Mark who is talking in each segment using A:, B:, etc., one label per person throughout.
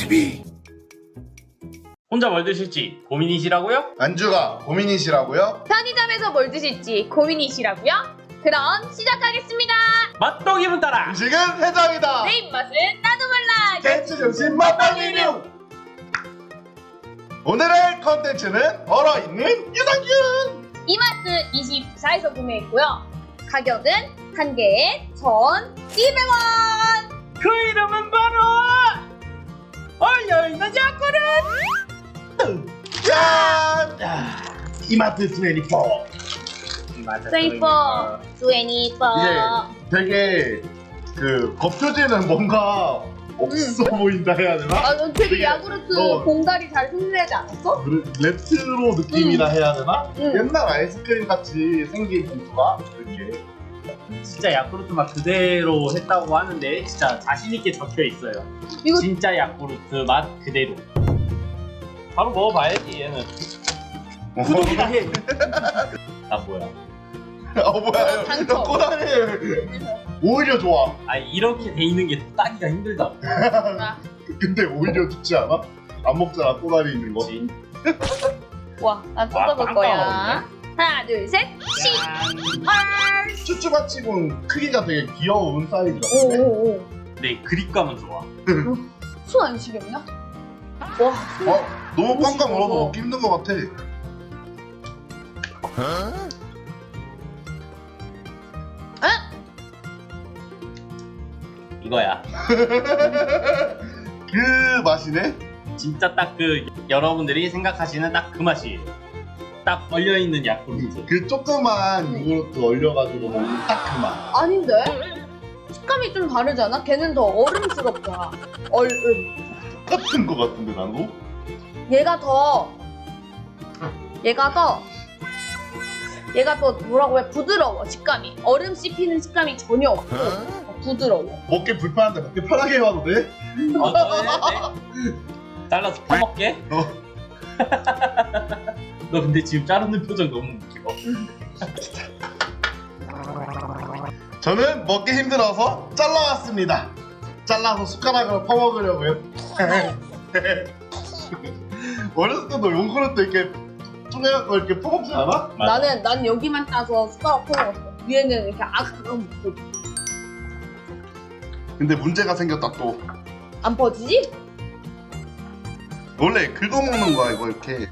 A: TV.
B: 혼자 뭘 드실지 고민이시라고요?
C: 안주가 고민이시라고요?
D: 편의점에서 뭘 드실지 고민이시라고요? 그럼 시작하겠습니다.
B: 맛도 기분 따라!
C: 음식은 해장이다.
D: 내 입맛은 나도 몰라.
C: 댄스 정신 맛방 리뷰. 오늘의 컨텐츠는 얼어있는 유산균.
D: 이마트 24에서 구매했고요. 가격은 한 개에 1,200원.
B: 그 이름은 바로 얼려있는 야구르!
C: 짠! 이마트 24.
D: 스웨이퍼, 스웨니퍼.
C: 이게 되게 그 겉표지는 뭔가 없어 보인다 해야 되나?
D: 아, 넌 되게
C: 되게,
D: 야구르트 봉다리 잘 흉내내지 않았어?
C: 레트로 느낌이라 해야 되나?
D: 응.
C: 옛날 아이스크림 같이 생긴 봉투가 이렇게.
B: 진짜 야쿠르트 맛 그대로 했다고 하는데 진짜 자신있게 적혀있어요.
D: 이거
B: 진짜 야쿠르트 맛 그대로. 바로 먹어봐야지 얘는. 구독이나 해! 나 뭐야?
C: 뭐야?
D: 당첨.
C: 꼬다리. 오히려 좋아.
B: 아 이렇게 돼 있는 게 따기가 힘들다.
D: 아,
C: 근데 오히려 좋지 않아? 안 먹잖아, 꼬다리 있는 거.
B: 그치?
D: 와, 난
B: 와,
D: 뜯어볼
B: 빵
D: 거야.
B: 먹었네.
D: 하나, 둘, 셋. 헐.
C: 쭈쭈바치곤 크기가 되게 귀여운 사이즈 같은데?
D: 오오오.
B: 네 그립감은 좋아.
D: 손 안 시렵냐? 와,
C: 너무 꽝꽝
D: 무서워.
C: 얼어서 먹기 힘든 것 같아.
B: 이거야.
C: 그 맛이네?
B: 진짜 딱 그 여러분들이 생각하시는 딱 그 맛이에요. 딱 얼려있는 야쿠르트.
C: 그 조그만 요구르트 얼려가지고 먹는 딱 그 맛.
D: 아닌데? 식감이 좀 다르지 않아? 걔는 더 얼음스럽잖아. 얼음.
C: 똑같은 것 같은데, 나도?
D: 얘가 더 뭐라고 해? 부드러워, 식감이. 얼음 씹히는 식감이 전혀 없고 부드러워.
C: 먹기 불편한데 먹기 편하게 해봐도 돼?
B: 네. 잘라서 퍼먹게? 너 근데 지금 자르는 표정 너무 웃겨.
C: 저는 먹기 힘들어서 잘라왔습니다. 잘라서 숟가락으로 퍼먹으려고요. 어렸을 때도 요구르트 이렇게 쪼개갖고 이렇게 퍼먹지 않아?
B: 맞아.
D: 난 여기만 따서 숟가락 퍼먹었어. 위에는 이렇게 아삭아삭 먹고.
C: 근데 문제가 생겼다 또.
D: 안 퍼지지?
C: 원래 긁어 먹는 거야 이거 이렇게.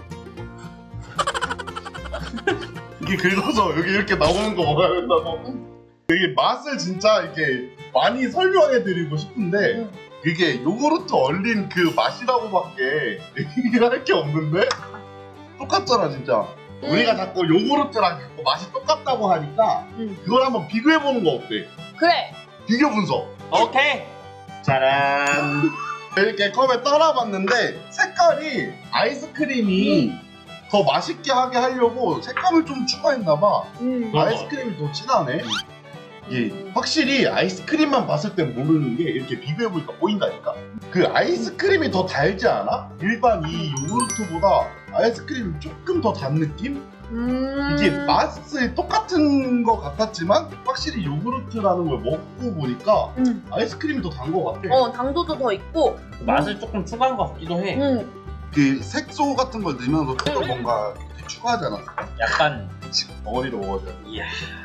C: 이게 긁어서 여기 이렇게 나오는 거 먹어야 된다고. 이게 맛을 진짜 이렇게 많이 설명해 드리고 싶은데
D: 응.
C: 그게 요구르트 얼린 그 맛이라고밖에 얘기할 게 없는데 똑같잖아 진짜. 우리가 자꾸 요구르트랑 자꾸 맛이 똑같다고 하니까
D: 응.
C: 그걸 한번 비교해 보는 거 어때?
D: 그래.
C: 비교 분석.
B: 오케이. 짜란.
C: 이렇게 컵에 따라봤는데 색깔이 아이스크림이 더 맛있게 하게 하려고 색감을 좀 추가했나봐. 아이스크림이 더 진하네. 이게 확실히 아이스크림만 봤을 땐 모르는 게 이렇게 비교해보니까 보인다니까. 그 아이스크림이 더 달지 않아? 일반 이 요구르트보다 아이스크림이 조금 더 단 느낌? 이게 맛이 똑같은 것 같았지만 확실히 요구르트라는 걸 먹고 보니까 아이스크림이 더 단 것 같아.
D: 당도도 더 있고.
B: 맛을 조금 추가한 것 같기도 해.
C: 그 색소 같은 걸 넣으면서 또 뭔가 추가하지 않았을까?
B: 약간
C: 덩어리로 먹어줘야 돼.
B: 이야.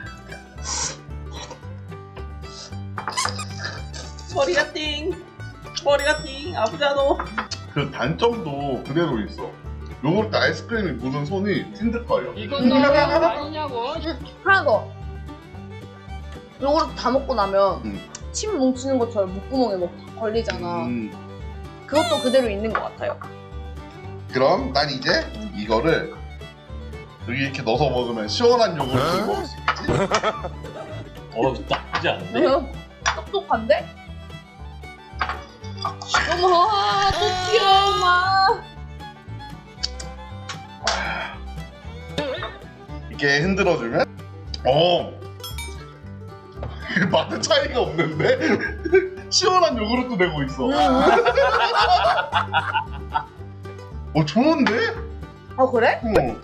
B: 머리가 띵. 머리가 띵. 아프잖아.
C: 그 단점도 그대로 있어. 요거르트 아이스크림이 묻은 손이 찐득거려.
E: 이건 너무 아니냐고.
D: 하나 더. 요거를 다 먹고 나면
C: 음.
D: 침 뭉치는 것처럼 목구멍에 막 걸리잖아. 그것도 그대로 있는 것 같아요.
C: 그럼 난 이제 이거를 여기 이렇게 넣어서 먹으면 시원한 요구르트를 먹을 수 있지.
B: 나쁘지 않은데?
D: 똑똑한데? 어머, 또 튀어, 엄마.
C: 이렇게 흔들어주면 맛의 차이가 없는데? 시원한 요구르트 되고 있어. 좋은데?
D: 아, 그래?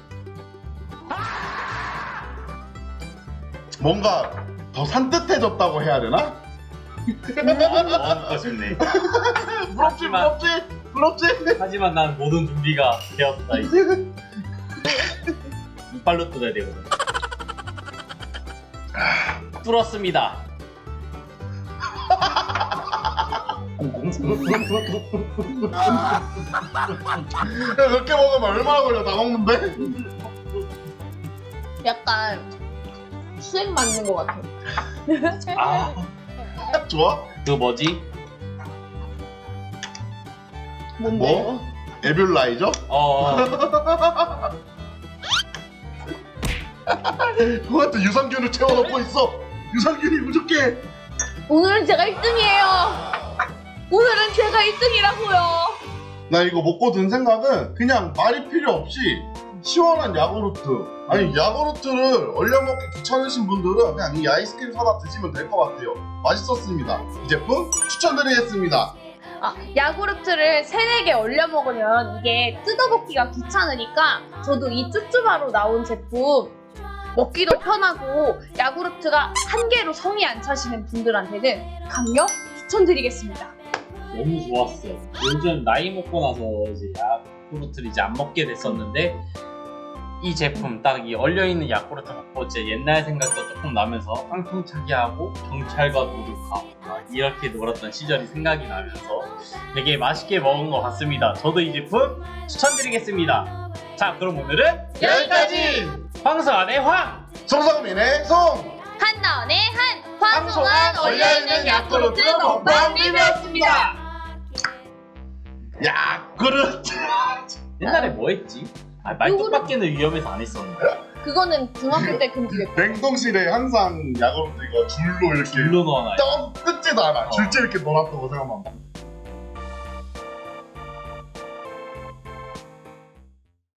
C: 뭔가 더 산뜻해졌다고 해야 되나?
B: 먹고 싶네.
C: 부럽지? 그렇지?
B: 하지만 난 모든 준비가 되었다 이제. 이빨로 뜯어야 되거든. 뚫었습니다.
C: 야, 몇 개 먹으면 얼마나 걸려? 다 먹는데?
D: 약간 수액 맞는 것 같아.
B: 아,
C: 좋아?
B: 그 뭐지?
D: 뭔데?
C: 뭐? 에뷸라이저? 그거한테 유산균을 채워넣고 있어. 유산균이 부족해.
D: 오늘은 제가 1등이에요. 오늘은 제가 1등이라고요.
C: 나 이거 먹고 든 생각은 그냥 말이 필요 없이 시원한 야구르트. 아니 야구르트를 얼려 먹기 귀찮으신 분들은 그냥 이 아이스크림 사다 드시면 될 것 같아요. 맛있었습니다. 이 제품 추천드리겠습니다.
D: 야구르트를 3-4개 얼려 먹으면 이게 뜯어먹기가 귀찮으니까 저도 이 쭈쭈바로 나온 제품 먹기도 편하고 야구르트가 한 개로 성이 안 차시는 분들한테는 강력 추천드리겠습니다.
B: 너무 좋았어. 요즘 나이 먹고 나서 이제 야쿠르트를 이제 안 먹게 됐었는데 이 제품 딱 이 얼려있는 야쿠르트 먹고 제 옛날 생각도 조금 나면서 깡통차기 하고 경찰과 도둑하고 이렇게 놀았던 시절이 생각이 나면서 되게 맛있게 먹은 것 같습니다. 저도 이 제품 추천드리겠습니다. 자, 그럼 오늘은
C: 여기까지!
B: 황소안의 황!
C: 송성민의 송!
D: 한나원의 한 황송한 얼려있는 야쿠르트 먹방 리뷰였습니다.
C: 야쿠르트!
B: 옛날에 뭐 했지? 말뚝밖에는 위험해서 안 했었는데.
D: 그거는 중학교 때 금지됐고
C: 냉동실에 항상 야구르트 이거 줄로 이렇게
B: 줄로 넣어놔요.
C: 뜯지도 않아. 줄째 이렇게 넣어놨던 거 생각만 나.